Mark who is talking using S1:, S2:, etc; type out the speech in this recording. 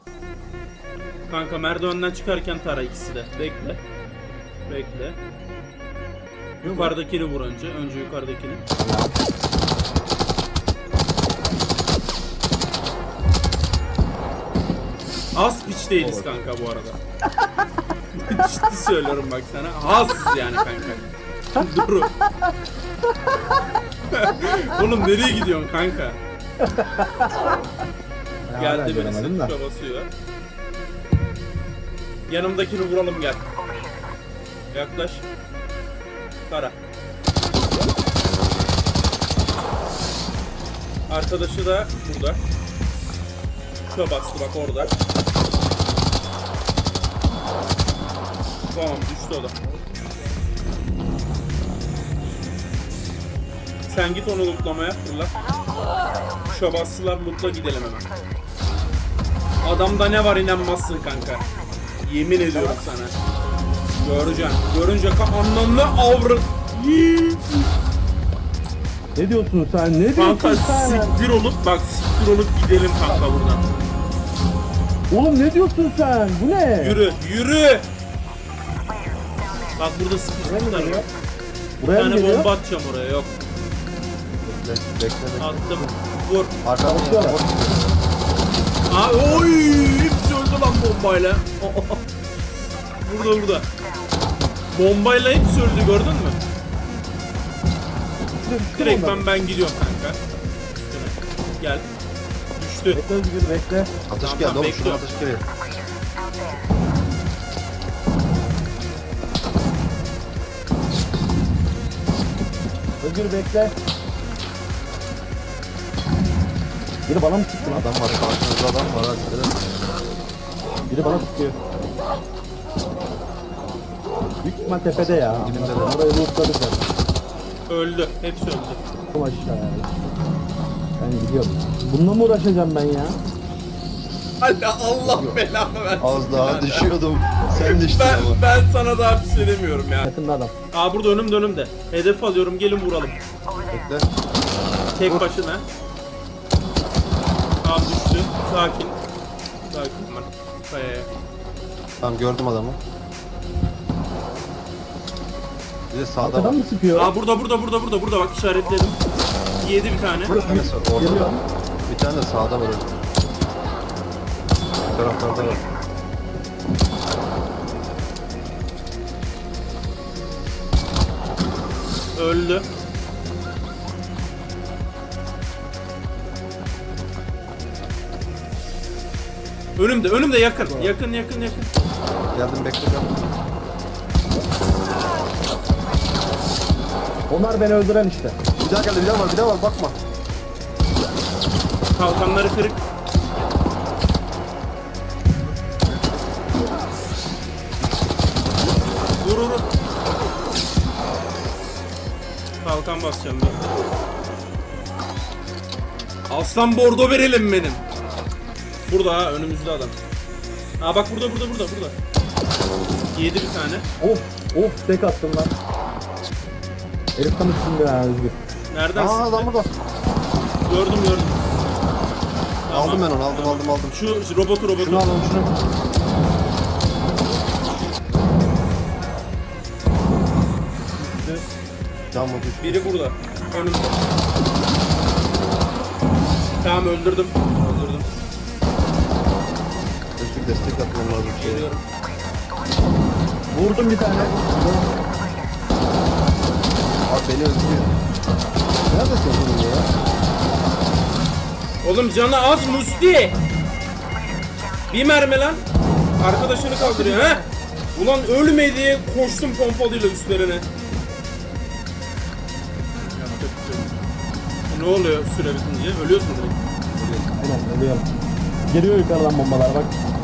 S1: Kanka merdivenden çıkarken tara ikisi de. Bekle. Bekle. Yukarıdakini vur önce. Önce yukarıdakini. Az piç değiliz kanka bu arada. Ciddi söylüyorum bak sana. Az yani kanka. Dur. Oğlum nereye gidiyorsun kanka? Geldi birisi tuşa basıyor. Yanımdakini vuralım gel. Yaklaş. Tara. Arkadaşı da burada. Tuşa bastı bak orada. Tamam düştü o da. Sen git onu lootlamaya fırla. Tuşa bastılar lootla gidelim hemen. Adamda ne var inanmazsın kanka. Yemin ediyorum sana. Göreceksin. Görünce anlamlı avrat.
S2: Ne diyorsun sen? Ne diyorsun
S1: Kanka
S2: sen?
S1: siktir olup bak siktir olup gidelim kanka buradan.
S2: Oğlum ne diyorsun sen? Bu ne?
S1: Yürü yürü. Bak burada sıkıştılar. Bir
S2: Buraya mı
S1: tane
S2: geliyor?
S1: bomba atacağım oraya yok.
S3: Bekle.
S1: Attım. Vur.
S3: Arkadan
S2: Bakıyorlar.
S1: Aa, oy! Hepsi öldü lan bombayla. Burada. Bombayla hepsi öldü gördün mü? Direkt ben gidiyorum kanka. Gel. Düştü.
S2: Bekle Özgür bekle.
S3: Atış
S1: Tamam,
S3: geldi oğlum, şuradan
S1: bekliyorum.
S3: atış geliyor.
S2: Özgür bekle. Biri bana mı sıktı lan?
S3: Adam var, karşınızda adam var. Hadi.
S2: Biri bana sıkıyor. Büyük ihtimal tepede ya.
S3: Dibinde de.
S2: Orayı lootladık ya.
S1: Öldü. Hepsi öldü.
S2: Kom aşağıya. Ben gidiyorum. Bununla mı uğraşacağım ben ya?
S1: Hadi Allah belanı versin.
S3: Az daha düşüyordum. Sen düştün ama.
S1: Ben sana daha bir şey demiyorum ya.
S2: Yakında adam.
S1: Aa burada önümde. Hedef alıyorum gelin vuralım.
S3: Bekle.
S1: Tek başına. Abi düştü. Sakin. Sakin ben. Kayaya.
S3: Tamam, gördüm adamı. Bir de sağda
S2: Arkadan
S3: var.
S2: mı sıkıyor?
S1: Aa burada bak işaretledim. Yedi bir tane.
S3: Bir tanesi var, orada.
S2: Geliyor.
S3: Bir tane de sağda var. Bu taraflarda var.
S1: Öldü. Önümde yakın. Yakın.
S3: Geldim, bekle.
S2: Onlar beni öldüren işte.
S3: Bir daha geldi, bir daha var, bakma.
S1: Kalkanları kırık. Vur. Kalkan basacağım ben. Aslan bordo verelim benim. Burada ha önümüzde adam. Ha bak burada. Yedi bir tane.
S2: Of tek attım lan. Herif tam üstünde ya Özgür.
S1: Nereden
S3: Aa,
S1: sıktı?
S3: adam burada.
S1: Gördüm. Tamam.
S3: Aldım ben onu, aldım.
S1: Şu robotu.
S3: Şunu alalım, şunu. Can mı düştü?
S1: Biri burada. Önümde. Tamam öldürdüm.
S3: Özgür, destek atmam lazım.
S1: Geliyorum.
S2: Vurdum bir tane.
S3: Abi beni öldürüyor. Neredesin oğlum ya?
S1: Oğlum canı az Musti. Bir mermi lan. Arkadaşını kaldırıyor ha. Ulan ölme diye koştum pompalıyla üstlerine. Yapacak bir şey yok. Ne oluyor süre bitince? Ölüyorsun direkt.
S2: Aynen ölüyorum. Geliyor yukarıdan bombalar bak.